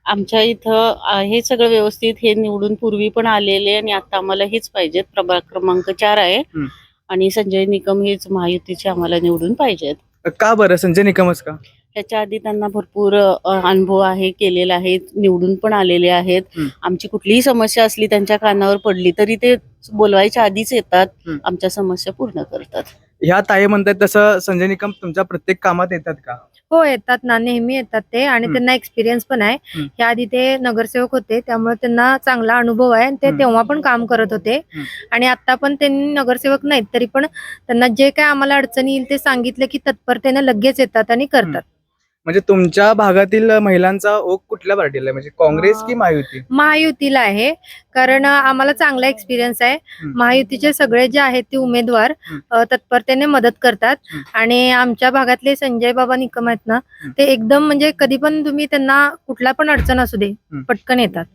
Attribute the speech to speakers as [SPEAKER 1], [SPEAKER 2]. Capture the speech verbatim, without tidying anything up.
[SPEAKER 1] आमच्या इथं अ, हे सगळं व्यवस्थित हे निवडून पूर्वी पण आलेले आणि आता आम्हाला हेच पाहिजेत. प्रभाग क्रमांक चार आहे
[SPEAKER 2] हं.
[SPEAKER 1] आणि संजय निकम हेच महायुतीचे आम्हाला निवडून पाहिजेत.
[SPEAKER 2] का बरं संजय निकमच का?
[SPEAKER 1] ह्याच्या आधी त्यांना भरपूर अ, अनुभव आहे, केलेला आहे, निवडून पण आलेले आहेत.
[SPEAKER 2] हं.
[SPEAKER 1] आमची कुठलीही समस्या असली त्यांच्या कानावर पडली तरी ते बोलवायच्या आधीच येतात,
[SPEAKER 2] हं.
[SPEAKER 1] आमच्या समस्या पूर्ण करतात.
[SPEAKER 2] ह्या ताई म्हणतात तसं संजय निकम तुमच्या प्रत्येक कामात येतात का?
[SPEAKER 3] हो येतात ना, नेहमी येतात ते आणि
[SPEAKER 2] हं.
[SPEAKER 3] त्यांना एक्सपिरियन्स पण आहे.
[SPEAKER 2] हं.
[SPEAKER 3] याआधी ते नगरसेवक होते त्यामुळे त्यांना चांगला अनुभव आहे आणि ते
[SPEAKER 2] हं.
[SPEAKER 3] तेव्हा पण काम करत होते
[SPEAKER 2] हं.
[SPEAKER 3] आणि आता पण त्यांनी नगरसेवक नाहीत तरी पण त्यांना जे काय आम्हाला अडचणी येईल ते सांगितलं की तत्परतेने लगेच येतात आणि करतात.
[SPEAKER 2] म्हणजे तुमच्या भागातील महिलांचा ओघ कुठल्या पार्टीला आहे, म्हणजे काँग्रेस की महायुती?
[SPEAKER 3] महायुतीला आहे कारण अ, आम्हाला चांगला एक्सपिरियन्स आहे.
[SPEAKER 2] हं.
[SPEAKER 3] महायुतीचे सगळे जे आहेत ते उमेदवार
[SPEAKER 2] हं.
[SPEAKER 3] अ, तत्परतेने मदत करतात
[SPEAKER 2] हं.
[SPEAKER 3] आणि आमच्या भागातले संजय बाबा निकम आहेत ना,
[SPEAKER 2] हं.
[SPEAKER 3] ते एकदम म्हणजे कधी पण तुम्ही त्यांना कुठला पण अडचण असू दे
[SPEAKER 2] हं.
[SPEAKER 3] पटकन येतात.